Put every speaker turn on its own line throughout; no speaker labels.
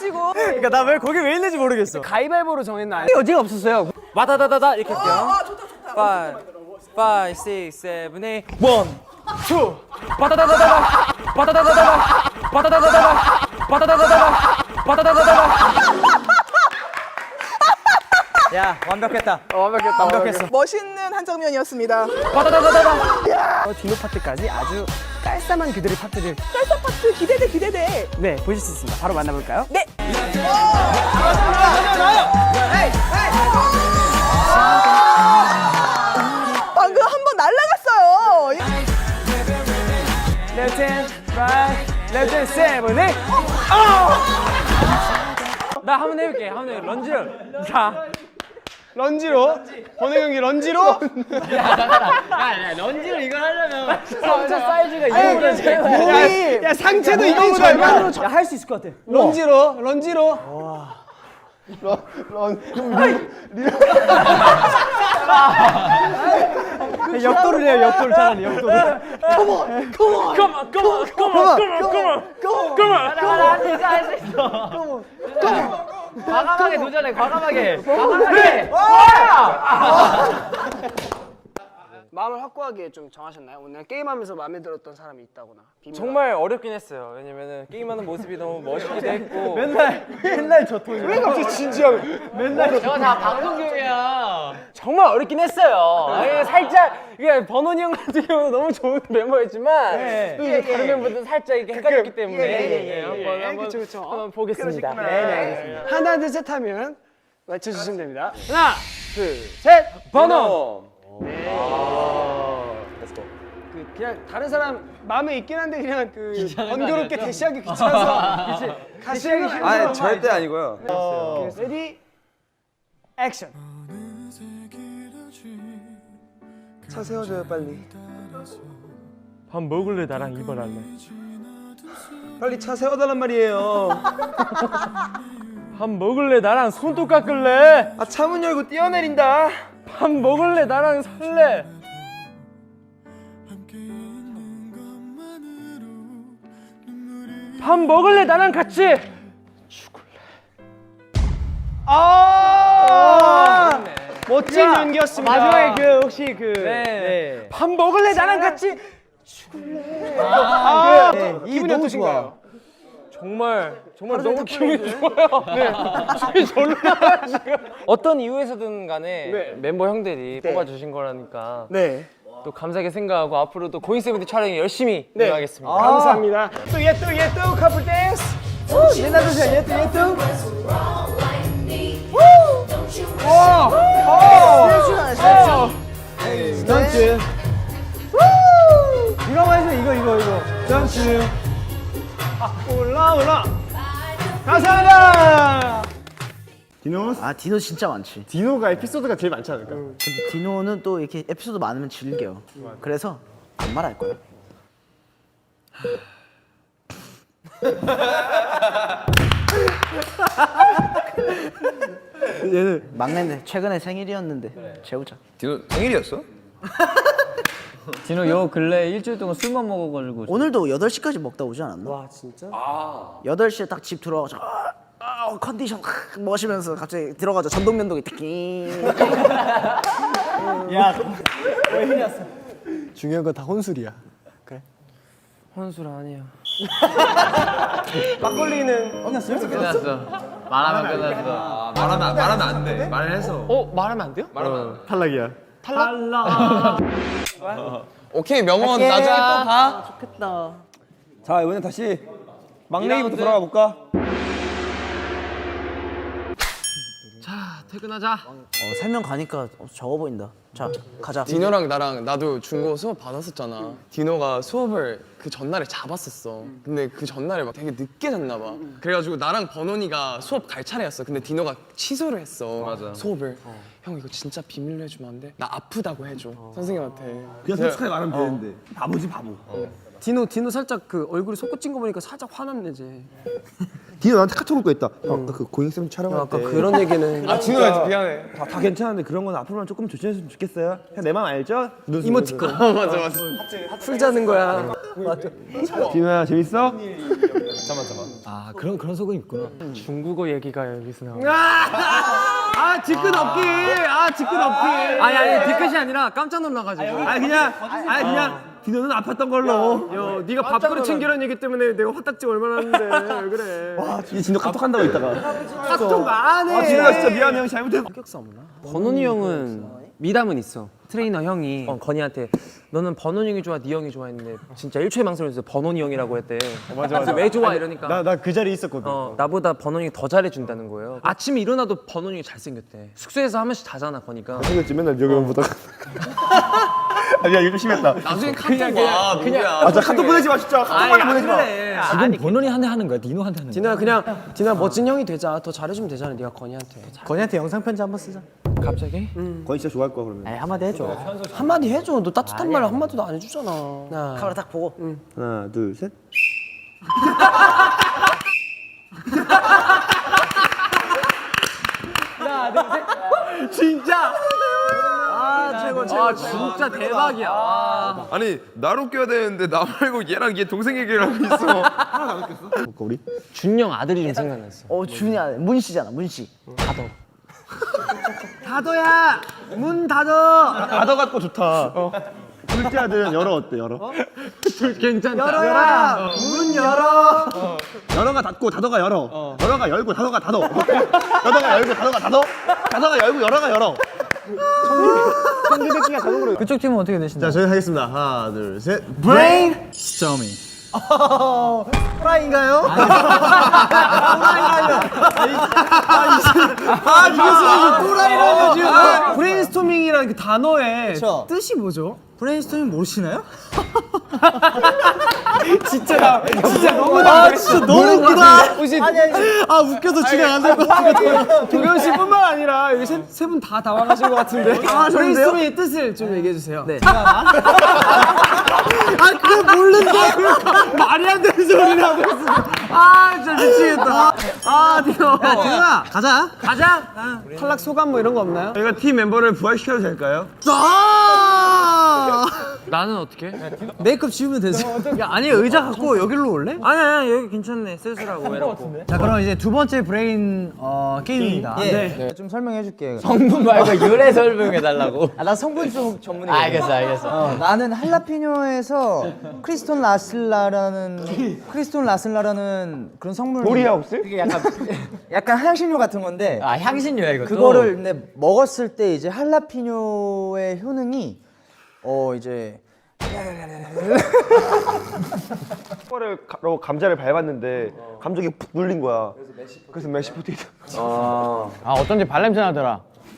해가지고.
그러니까 나 왜 거기 왜 있는지 모르겠어.
가위바위보로 정했나? 여지가 없었어요.
와다다다다 이렇게 할게요.
좋다 좋다.
5, 6, 7, 8 1, 2 바다다다다다 바다다다다다 바다다다다다 바다다다다다 바다다다다다. 야 완벽했다. 완벽했어.
멋있는 한 장면이었습니다.
바다다다다다.
디노 파트까지 아주 깔쌈한 그들의 파트를. 깔쌈 파트 기대돼. 네, 보실 수 있습니다. 바로 만나볼까요? 네. 방금 한 번 날라갔어요.
Left hand, right, left hand, 7, 8. 나 한번 해볼게. 런지를. 자.
런지로? 번외 경기 런지로?
런지를 이걸 하려면 상체 사이즈가 이거보다 제일
몸이 야 상체도 이거보다 얼마?
할 수 있을 것 같아.
런지로.
역도를 해요. 역도를 차라리 역도를.
과감하게 도전해, 과감하게.
마음을 확고하게 좀 정하셨나요? 오늘 게임하면서 마음에 들었던 사람이 있다거나.
정말 어렵긴 했어요. 왜냐면은 게임하는 모습이 너무 멋있기도 했고. 맨날 저 톤이.
왜 갑자기 진지하게?
저거 다 방송 교육이야.
정말 어렵긴 했어요. 아니, 살짝 이게 버논이 형 같은 경우는 너무 좋은 멤버였지만 또 이제 다른 멤버들은 살짝 이렇게 헷갈렸기 때문에 한번 보겠습니다. 네, 알겠습니다.
하나 둘 셋 하면 맞춰주시면 됩니다.
하나, 둘, 셋, 버논.
그냥 다른 사람 마음에 있긴 한데 그냥 그 번거롭게 대시하기 귀찮아서 같이 하기 싫어서.
아니 절대 아니고요.
레디 액션. 차 세워줘요 빨리.
밥 먹을래 나랑 이발할래?
빨리 차 세워달란 말이에요.
밥 먹을래 나랑 손톱 깎을래?
아 차 문 열고 뛰어내린다.
밥 먹을래 나랑 살래? 밥 먹을래 나랑 같이?
멋진 연기였습니다.
마지막에 그 혹시 그 밥 먹을래 나랑 같이?
기분이 어떠신가요?
정말 너무 기분이 좋아요. 기분이 절로 나요 지금. 어떤 이유에서든 간에 멤버 형들이 뽑아주신 거라니까
네.
또 감사하게 생각하고 앞으로도 고잉세븐틴 촬영에 열심히 임하겠습니다.
감사합니다. 또 얘 또 커플 댄스. 내놔주세요. 얘 또. 스턴트. 이거만 해서 이거. 스턴트. 올라. 감사합니다.
아 디노 진짜 많지.
디노가 에피소드가 제일 많지 않을까?
근데 디노는 또 이렇게 에피소드 많으면 즐겨. 그래서 안 말할 거야. 얘는 막내인데 최근에 생일이었는데 재우자.
디노 생일이었어?
진호 요 근래 일주일 동안 술만 먹어가지고.
오늘도 8시까지 먹다 오지 않았나?
와 진짜?
8시에 딱 집 들어가서 컨디션 멋이면서 갑자기 들어가자 전동면도기 특히.
중요한 건 다 혼술이야.
혼술 아니야.
막걸리는
끝났어. 말하면 끝났어.
말하면 안 돼. 말을 해서.
말하면 안 돼요?
탈락이야.
오케이 명언 나중에 또 봐.
좋겠다.
자 이번엔 다시 막내기부터 돌아가 볼까?
퇴근하자.
설명 가니까 적어 보인다. 자 가자.
디노랑 나랑 나도 중고 수업 받았었잖아. 디노가 수업을 그 전날에 잡았었어. 근데 그 전날에 막 되게 늦게 잤나 봐. 그래가지고 나랑 버논이가 수업 갈 차례였어. 근데 디노가 취소를 했어. 수업을. 형 이거 진짜 비밀로 해주면 안 돼? 나 아프다고 해줘. 선생님한테.
그냥 솔직하게 말하면 되는데 바보지 바보. 디노 살짝 그 얼굴이 솟구친 거 보니까 살짝 화났네 이제.
디노 나한테 카톡 올거 있다. 형, 그 고잉쌤 촬영할 때.
그런 얘기는.
아 디노가 미안해.
다 괜찮은데 그런 건 앞으로는 조금 조심했으면 좋겠어요. 그냥 내 맘 알죠?
이모티콘.
맞아.
풀자는 거야.
디노야 재밌어?
아 그런 속은 있구나.
중국어 얘기가 여기서 나와.
아 뒤끝 없기. 아 뒤끝 없기.
아니 뒤끝이 아니라 깜짝 놀라가지고.
그냥 디노는 아팠던 걸로. 야, 네가 밥그릇 챙기라는 얘기 때문에 내가 화딱지 얼마나 하는데 왜 그래? 와,
이 진짜 카톡 한다고 있다가.
카톡 안 해.
아 진우가 진짜 미안해 형 잘못했어.
번원이 형은 미담은 있어. 트레이너 형이 건이한테 너는 번원이 형이 좋아, 네 형이 좋아 했는데 진짜 1초의 망설임에서 번원이 형이라고 했대. 맞아. 왜 좋아 이러니까.
나 그 자리에 있었거든.
나보다 번원이 형이 더 잘해준다는 거예요. 아침에 일어나도 번원이 형이 잘생겼대. 숙소에서 한 번씩 자잖아 거니까.
생겼지 맨날 여기만 보다가. 아니야 이거 심했다.
나중에 카톡 와. 그냥
아 진짜 카톡 보내지 마 진짜. 카톡만 보내지 마.
지금 본원이한테 하는 거야? 디노한테 하는 거야?
디노야 멋진 형이 되자. 더 잘해주면 되잖아. 네가 건이한테.
건이한테 영상 편지 한번 쓰자.
갑자기?
건이 진짜 좋아할 거야 그러면.
에이, 한마디 해줘.
한마디 해줘. 너 따뜻한 말 한마디도 안 해주잖아.
카메라 딱 보고.
하나 둘 셋.
아 진짜 대박이야.
아니 나를 웃겨야 되는데 나 말고 얘랑 얘 동생 얘기를 하고 있어.
볼까 우리?
준영 아들이 좀 생각났어.
준이 아들 문씨잖아 문씨.
다도야 문 닫어.
다더 갖고 좋다. 둘째 아들은 열어 어때 열어?
열어야 문 열어.
열어가 닫고 다더가 열어. 열어가 열고 다더가 닫어. 열어가 열고 다더가 닫어. 다더가 열고 열어가 열어.
성기대기가 자동으로.
그쪽 팀은 어떻게 되시나요?
자 저희 하겠습니다. 하나 둘 셋.
브레인.
스토미.
프라인가요?
브레인스토밍이라는 그 단어의
그쵸.
뜻이 뭐죠?
브레인스토밍 모르시나요?
진짜 너무
진짜 너무 웃기다.
혹시
아 웃겨서 진행 안 될 것 같아.
도겸 씨뿐만 아니라 여기 세 분 다 당황하신 것 같은데. 브레인스토밍의 뜻을 좀 얘기해 주세요. 네.
그거 모르는데.
말이 안 되는 소리를 하고 있어. 아 진짜 미치겠다. 아 디노.
디노야 가자.
탈락 소감 뭐 이런 거 없나요?
저희가 팀 멤버를 부활시켜도 될까요?
나는 어떻게?
메이크업 지우면 되죠. 야 아니 의자 갖고 여기로 올래?
아니야 여기 괜찮네. 쓸쓸하고 외롭고.
자 그럼 이제 두 번째 브레인 게임입니다.
네.
좀 설명해 줄게.
성분 말고 유래 설명해 달라고.
나 성분 좀 전문이야.
알겠어.
나는 할라피뇨에서 크리스톤 라슬라라는 그런 성분.
우리야 혹시?
그게 약간 향신료 같은 건데.
아 향신료야 이것도.
그거를 근데 먹었을 때 이제 할라피뇨의 효능이 이제
를 감자를 밟았는데 감정이 푹 눌린 거야. 그래서 메시 포테이토.
아 어쩐지 발냄새 나더라.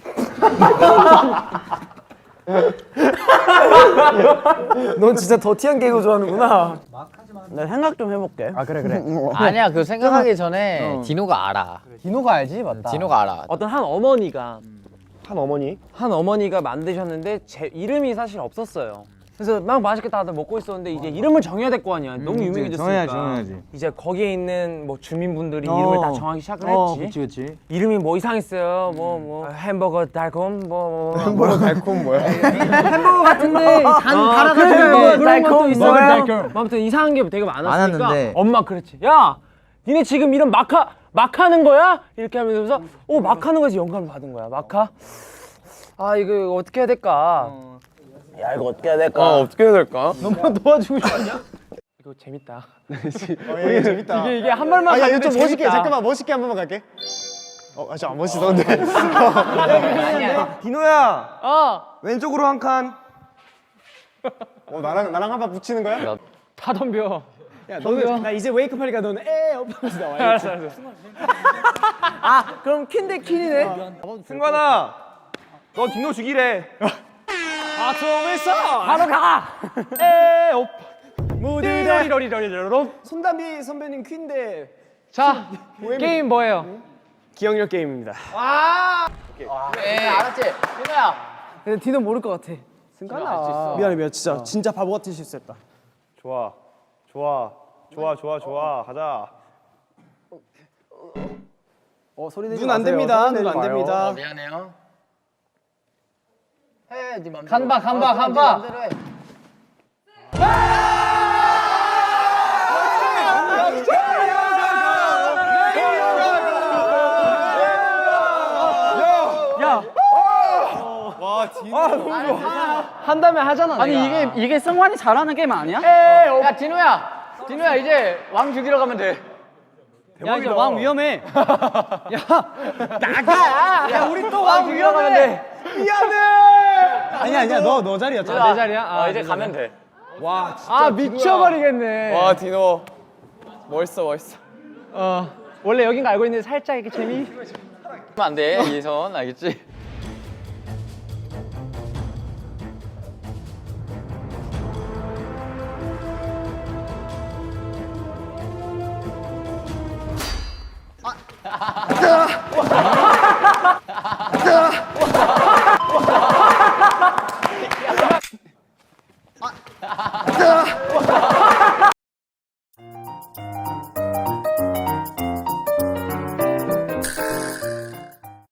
넌 진짜 더티한 개그 좋아하는구나.
나 생각 좀 해볼게.
아 그래.
아니야 그 생각하기 전에 디노가 알아.
디노가 알지 맞다.
디노가 알아.
어떤 한 어머니가
한 어머니?
만드셨는데 제 이름이 사실 없었어요. 그래서 막 맛있게 다들 먹고 있었는데 이제 이름을 정해야 될 거 아니야. 너무 유명해졌으니까.
정해야지.
이제 거기에 있는 뭐 주민분들이 이름을 다 정하기 시작을 했지.
그치.
이름이 뭐 이상했어요. 뭐 햄버거 달콤
햄버거 달콤 뭐야?
햄버거 같은데 달아가지고 그런 것도 있어요. 아무튼 이상한 게 되게 많았으니까
많았는데.
엄마 그랬지. 야, 니네 지금 이름 막하는 거야? 이렇게 하면서 막하는 거에서 영감을 받은 거야. 막하? 아 이거 어떻게 해야 될까?
야 이거 어떻게 해야 될까?
어떻게 해야 될까?
너무 도와주고 싶냐? 이거 재밌다.
이게 재밌다.
이게 한 발만
아, 야,
가면
이거 좀
재밌다.
멋있게 잠깐만 멋있게 한 번만 갈게. 진짜 안 멋있었는데. 디노야. 왼쪽으로 한 칸. 나랑 한 번 붙이는 거야?
다 덤벼.
야 너는 나 이제 웨이크업 하니까 너는 하면서 나와.
알았어.
그럼 퀸대 퀸이네.
승관아. 너 디노 죽이래.
바로 가. 무디러리러리러리러.
손담비 선배님 퀸데
자, 게임 뭐예요?
기억력 게임입니다.
네 알았지. 디노야.
근데 디노 모를 것 같아. 승관아. 미안해 진짜 바보 같은 실수했다.
좋아. 가자.
소리 내지 마세요. 눈 안 됩니다. 눈 안 됩니다.
미안해요. 해, 네 맘대로. 간바.
한다면 하잖아.
아니 이게 승환이 잘하는 게임 아니야?
야 디노야 이제 왕 죽이러 가면 돼.
야 이제 왕 위험해. 야 나가. 야 우리 또 왕
죽이러 가면 돼.
아니야 너 자리였잖아.
내 자리야?
이제 가면 돼.
와 진짜
아 미쳐버리겠네.
와 디노 멋있어.
원래 여긴 거 알고 있는데 살짝 이렇게 재미.
안 돼, 이선 알겠지?